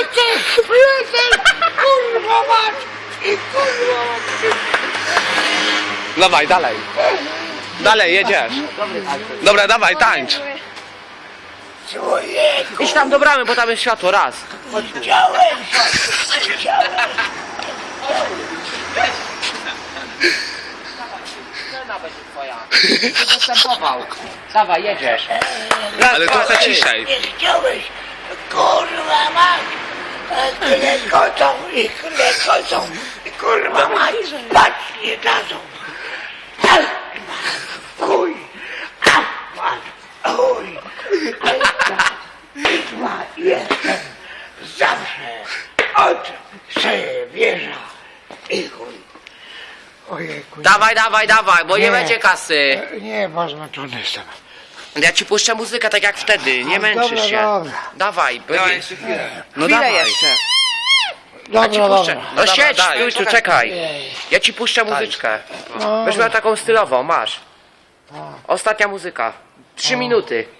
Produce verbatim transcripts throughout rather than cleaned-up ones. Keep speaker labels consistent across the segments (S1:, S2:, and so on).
S1: lecę, lecę, kurwa mać, i kurwa mać.
S2: Dawaj, dalej. Dalej, jedziesz. Dobra, dawaj, tańcz.
S1: Człowieku,
S2: Idź tam do bramy, bo tam jest światło, raz.
S1: chciałem, chciałem.
S2: Scena będzie twoja. Występował. Dawaj, jedziesz.
S3: Ale trochę ciszej.
S1: Nie chciałeś, kurwa mać. Tyle kocą i tyle kocą. Kurwa mać, spać nie dadzą. Chuj, chuj. Kurwa, jestem zawsze od siebie wieża i chuj. Ojejku.
S2: Dawaj, dawaj, dawaj, bo nie,
S1: Nie.
S2: będzie kasy.
S1: Nie, bo zmęczony jestem.
S2: Ja ci puszczę muzykę tak jak wtedy, nie
S1: A,
S2: męczysz
S1: dobra,
S2: się.
S1: dobra.
S2: Dawaj,
S3: Dawaj
S2: będzie...
S3: jeszcze chwilę.
S2: No
S3: Chwilę
S2: dawaj.
S3: jeszcze.
S2: Ja ci
S1: Dobra,
S2: puszczę.
S1: dobra.
S2: No
S3: Dobra,
S2: siedź,
S3: daj.
S2: stój tu, czekaj.
S1: Ej,
S2: Ja ci puszczę muzyczkę.
S1: no.
S2: Będziesz miał taką stylową, masz. Ostatnia muzyka. Trzy minuty.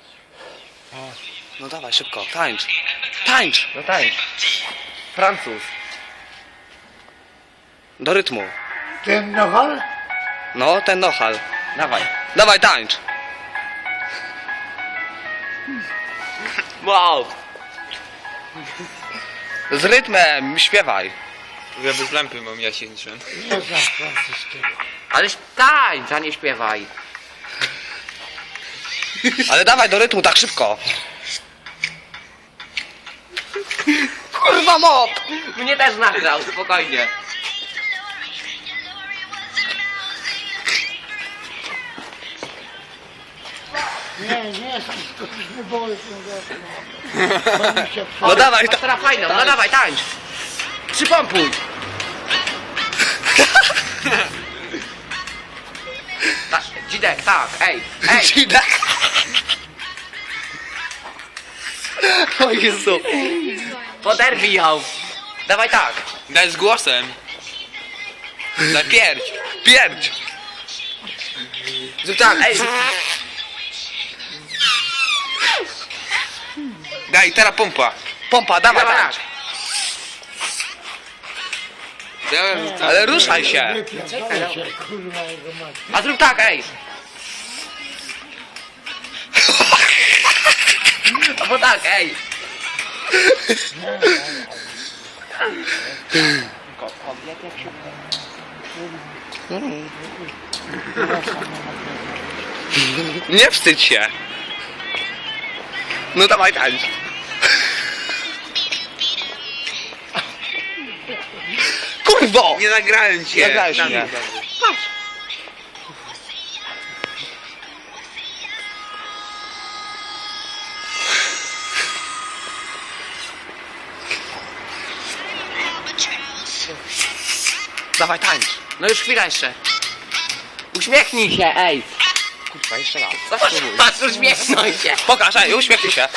S3: No dawaj, szybko, tańcz. Tańcz.
S2: No tańcz. Francuz.
S3: Do rytmu.
S1: Ten nohal?
S3: No, ten nohal.
S2: Dawaj.
S3: Dawaj, tańcz.
S2: Wow.
S3: Z rytmem, śpiewaj.
S4: Ja bez lampy mam jasięczę.
S1: Nie znam francuskiego.
S2: Ale tańcz, a nie śpiewaj.
S3: Ale dawaj do rytmu, tak szybko.
S2: Kurwa mop! Mnie też nagrał, spokojnie.
S1: Nie, nie, skoczyśmy boły.
S3: No dawaj,
S2: Masz
S3: ta...
S2: teraz fajną, no dawaj, tańcz. Przypompuj. Ta, Dzidek, tak, ej, ej.
S3: Dzidek. O Jezu.
S2: Poderwij ją. Dawaj tak.
S4: Daj z głosem.
S3: Daj pierdź. Pierdź.
S2: Zrób tak, ej.
S4: Daj, teraz pompa.
S3: Pompa, dawaj,
S2: Dawaj
S3: tańcz.
S2: tak.
S4: Ja,
S3: Ale ruszaj się.
S1: Czekaj się, kurwa jego mać.
S2: A zrób tak, ej. Albo tak, ej.
S3: Nie wstydź się. No dawaj, tańcz. Kurwo!
S4: nie nagrałem cię.
S3: Nagrałeś
S4: Dam
S3: mnie.
S4: mi dobrze.
S3: Dawaj, tańcz.
S2: No już chwila jeszcze. Uśmiechnij się, ej.
S3: Kurwa, jeszcze raz.
S2: Patrz, patrz, uśmiechnij się.
S3: Pokaż, ej, uśmiechnij się.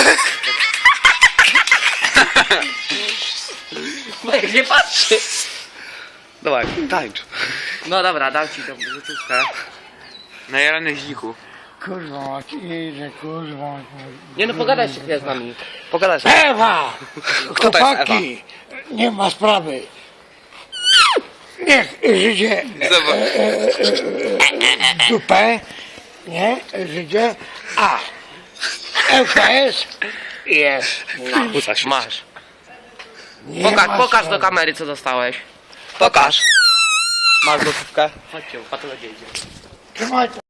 S2: Jak nie patrzy.
S3: Dawaj, tańcz.
S2: No dobra, dam ci tą rzeczówkę.
S4: Na jaranych dziku.
S1: Kurwa mać, idę, kurwa mać.
S2: Nie no, pogadaj się chwilę z nami.
S3: Pogadaj sobie.
S1: Ewa!
S3: Kto to jest
S1: Chłopaki, nie ma sprawy. Niech Żydzie
S4: Zobacz.
S1: dupę, nie? Żydzie, a L K S jest.
S3: Uca się.
S2: Masz.
S1: Nie
S2: Pokaż,
S1: ma
S2: pokaż do
S1: sprawy.
S2: kamery, co dostałeś.
S3: Pokaż. Masz gotówkę.
S2: Chodźcie, patologia idzie.
S1: Trzymaj to.